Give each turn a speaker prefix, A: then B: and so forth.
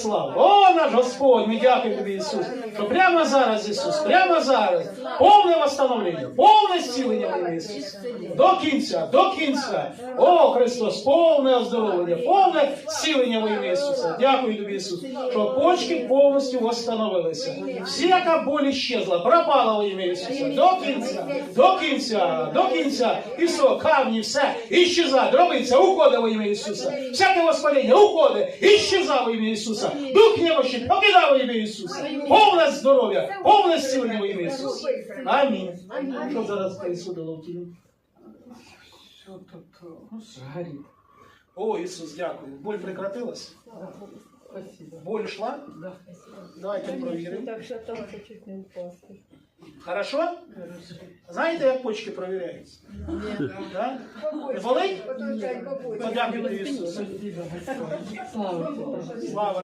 A: Слава! О, наш Господь, ми дякуємо тобі, Ісус, що прямо зараз, Ісус, прямо зараз, повне восстановлення, повне зцілення в ім'я Ісуса. До кінця. О, Христос, повне оздоровлення, повне зцілення в ім'я Ісуса. Дякую тобі, Ісус, що почки повністю восстановилися. Всяка боль исчезла, пропала в ім'я Ісуса. До кінця. І все, камні, все, іщеза, дробиться, уходить в ім'я Ісуса. Всяке воспалення, уходить, іщеза в ім'я Ісуса. Дух немощі, покидав во ім'я Ісуса. Повне здоров'я, повне зцілення во ім'я Ісуса. Амінь. Що зараз происходило в тілі? Що таке? Горить. О, Ісус, дякую. Боль прекратилась? Боль шла? Да. Давайте провіримо.
B: Так що там чуть не упасти.
A: Хорошо? Знаєте, як почки провіряються? Да? Не болить? Подякуйте Ісусу. Слава.